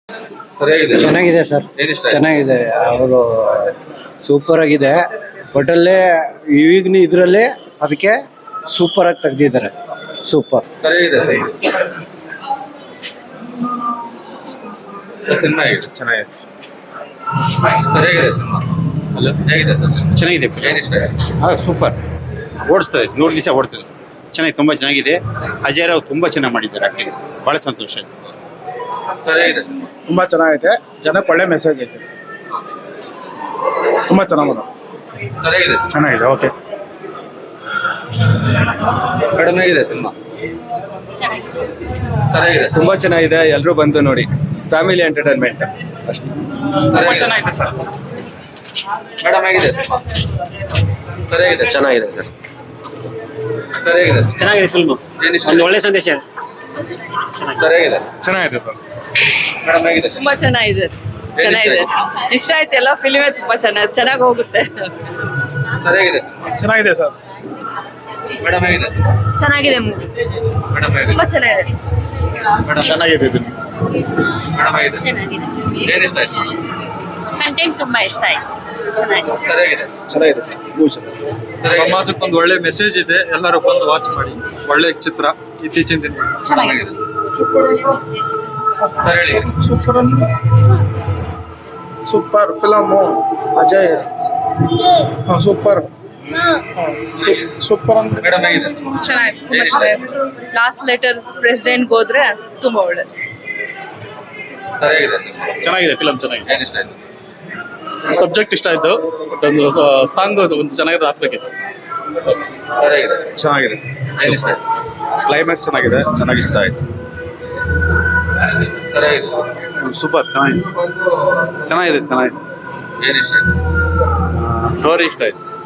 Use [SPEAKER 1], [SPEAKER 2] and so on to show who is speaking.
[SPEAKER 1] ಸರಿಯಾಗಿದೆ.
[SPEAKER 2] ಚೆನ್ನಾಗಿದೆ ಸರ್,
[SPEAKER 1] ಏನಿಷ್ಟ?
[SPEAKER 2] ಚೆನ್ನಾಗಿದೆ. ಅವರು ಸೂಪರ್ ಆಗಿದೆ. ಒಟ್ಟಲ್ಲೇ ಈಗಿನ ಇದರಲ್ಲಿ ಅದಕ್ಕೆ ಸೂಪರ್ ಆಗಿ ತೆಗ್ದಿದ್ದಾರೆ. ಸೂಪರ್.
[SPEAKER 1] ಸರಿಯಾಗಿದೆ ಸಿನಿಮಾ ಹೇಗಿದೆ?
[SPEAKER 3] ಚೆನ್ನಾಗಿದೆ
[SPEAKER 1] ಸರಿಯಾಗಿದೆ ಸಿನಿಮಾ.
[SPEAKER 3] ಅಲ್ಲ
[SPEAKER 1] ಹೇಗಿದೆ ಸರ್?
[SPEAKER 3] ಚೆನ್ನಾಗಿದೆ.
[SPEAKER 1] ಏನಿಷ್ಟ?
[SPEAKER 3] ಸೂಪರ್ ಓಡಿಸ್ತದೆ, 100 ದಿವಸ ಓಡ್ತದೆ. ಚೆನ್ನಾಗಿ, ತುಂಬ ಚೆನ್ನಾಗಿದೆ. ಅಜಯ್ ರಾವ್ ತುಂಬ ಚೆನ್ನಾಗಿ ಮಾಡಿದ್ದಾರೆ ಆ್ಯಕ್ಟಿಂಗ್. ಭಾಳ ಸಂತೋಷ ಆಯಿತು.
[SPEAKER 1] ಸರಿಯಾಗಿದೆ ಸಿನಿಮಾ.
[SPEAKER 4] ತುಂಬ ಚೆನ್ನಾಗೈತೆ. ಜನಕ್ಕೆ ಒಳ್ಳೆ ಮೆಸೇಜ್ ಐತೆ. ತುಂಬ ಚೆನ್ನಾಗಿದೆ.
[SPEAKER 1] ಸರಿಯಾಗಿದೆ ಸಿನಿಮಾ.
[SPEAKER 4] ಚೆನ್ನಾಗಿದೆ. ಓಕೆ.
[SPEAKER 1] ಕಡಿಮೆ ಆಗಿದೆ ಸಿನಿಮಾ. ಸರಿಯಾಗಿದೆ.
[SPEAKER 5] ತುಂಬಾ ಚೆನ್ನಾಗಿದೆ. ಎಲ್ಲರೂ ಬಂದು ನೋಡಿ. ಫ್ಯಾಮಿಲಿ ಎಂಟರ್ಟೈನ್ಮೆಂಟ್ ಅಷ್ಟೇ.
[SPEAKER 1] ಚೆನ್ನಾಗಿದೆ ಸರ್. ಮೇಡಮ್ ಹೇಗಿದೆ ಸಿನಿಮಾ? ಸರಿಯಾಗಿದೆ.
[SPEAKER 5] ಚೆನ್ನಾಗಿದೆ ಸರ್.
[SPEAKER 1] ಸರಿಯಾಗಿದೆ.
[SPEAKER 5] ಚೆನ್ನಾಗಿದೆ ಫಿಲ್ಮ್.
[SPEAKER 1] ಏನಿಷ್ಟ?
[SPEAKER 5] ಒಂದು ಒಳ್ಳೆ ಸಂದೇಶ.
[SPEAKER 1] ಸರಿಯಾಗಿದೆ.
[SPEAKER 4] ಚೆನ್ನಾಗಿದೆ ಸರ್.
[SPEAKER 1] ಮೇಡಮ್ ಹೇಗಿದೆ?
[SPEAKER 6] ತುಂಬಾ ಚೆನ್ನಾಗಿದೆ. ಚೆನ್ನಾಗಿದೆ, ಇಷ್ಟ ಆಯ್ತು. ಎಲ್ಲ ಫಿಲ್ಮೇ ತುಂಬಾ ಚೆನ್ನಾಗಿ ಹೋಗುತ್ತೆ.
[SPEAKER 1] ಸರಿಯಾಗಿದೆ.
[SPEAKER 4] ಚೆನ್ನಾಗಿದೆ ಸರ್.
[SPEAKER 1] ಮೇಡಮ್ ಹೇಗಿದೆ?
[SPEAKER 6] ಚೆನ್ನಾಗಿದೆ ಮೂವಿ.
[SPEAKER 1] ಮೇಡಮ್ ಹೇಗಿದೆ?
[SPEAKER 6] ತುಂಬಾ ಚೆನ್ನಾಗಿದೆ.
[SPEAKER 1] ಮೇಡಮ್
[SPEAKER 4] ಚೆನ್ನಾಗಿದೆ.
[SPEAKER 1] ಮೇಡಮ್ ಹೇಗಿದೆ?
[SPEAKER 6] ಚೆನ್ನಾಗಿದೆ.
[SPEAKER 1] ಏನಿಷ್ಟ ಆಯ್ತು?
[SPEAKER 6] ಕಂಟೆಂಟ್ ತುಂಬಾ ಇಷ್ಟ ಆಯ್ತು. ಚೆನ್ನಾಗಿದೆ.
[SPEAKER 1] ಸರಿಯಾಗಿದೆ.
[SPEAKER 4] ಚೆನ್ನಾಗಿದೆ ಸರ್.
[SPEAKER 1] ಸರಿಯಾಗಿದೆ.
[SPEAKER 7] ಸಮಾಜಕ್ಕೊಂದು ಒಳ್ಳೆ ಮೆಸೇಜ್ ಇದೆ. ಎಲ್ಲರೂ ಬಂದು ವಾಚ್ ಮಾಡಿ. ಒಳ್ಳೆ ಚಿತ್ರ ಇತ್ತೀಚಿನ ದಿನ.
[SPEAKER 1] ಚೆನ್ನಾಗಿದೆ. ಸರ್ ಹೇಳಿ.
[SPEAKER 4] Super film. Ajay super. Super ಅಂತ.
[SPEAKER 1] ಮೇಡಮ್ ಹೇಗಿದೆ?
[SPEAKER 6] ಚೆನ್ನಾಗಿದೆ. ತುಂಬಾ ಚೆನ್ನಾಗಿದೆ. ಲಾಸ್ಟ್ ಲೆಟರ್ ಪ್ರೆಸಿಡೆಂಟ್ ಹೋದ್ರೆ ತುಂಬಾ ಒಳ್ಳೇದು.
[SPEAKER 1] ಸರಿಯಾಗಿದೆ.
[SPEAKER 8] ಚೆನ್ನಾಗಿದೆ ಫಿಲಮ್. ಚೆನ್ನಾಗಿದೆ.
[SPEAKER 1] ಏನಿಷ್ಟ ಆಯ್ತು?
[SPEAKER 8] ಸಬ್ಜೆಕ್ಟ್ ಇಷ್ಟ ಆಯ್ತು. ಬಟ್ ಒಂದು ಸಾಂಗ್ ಒಂದು ಚೆನ್ನಾಗಿದೆ, ಹಾಕ್ಬೇಕಿತ್ತು.
[SPEAKER 1] ಸರಿಯಾಗಿದೆ.
[SPEAKER 4] ಚೆನ್ನಾಗಿದೆ.
[SPEAKER 1] ಏನಿಷ್ಟ ಆಯ್ತು?
[SPEAKER 4] ಕ್ಲೈಮ್ಯಾಕ್ಸ್ ಚೆನ್ನಾಗಿದೆ. ಚೆನ್ನಾಗಿ ಇಷ್ಟ ಆಯ್ತು.
[SPEAKER 1] ಸರಿಯಾಗಿದೆ.
[SPEAKER 4] ಸೂಪರ್. ಚೆನ್ನಾಗಿದೆ. ಚೆನ್ನಾಗಿದೆ.
[SPEAKER 1] ಏನಿಷ್ಟ ಆಯ್ತು?
[SPEAKER 4] ಸ್ಟೋರಿ ಇಷ್ಟ ಆಯ್ತು.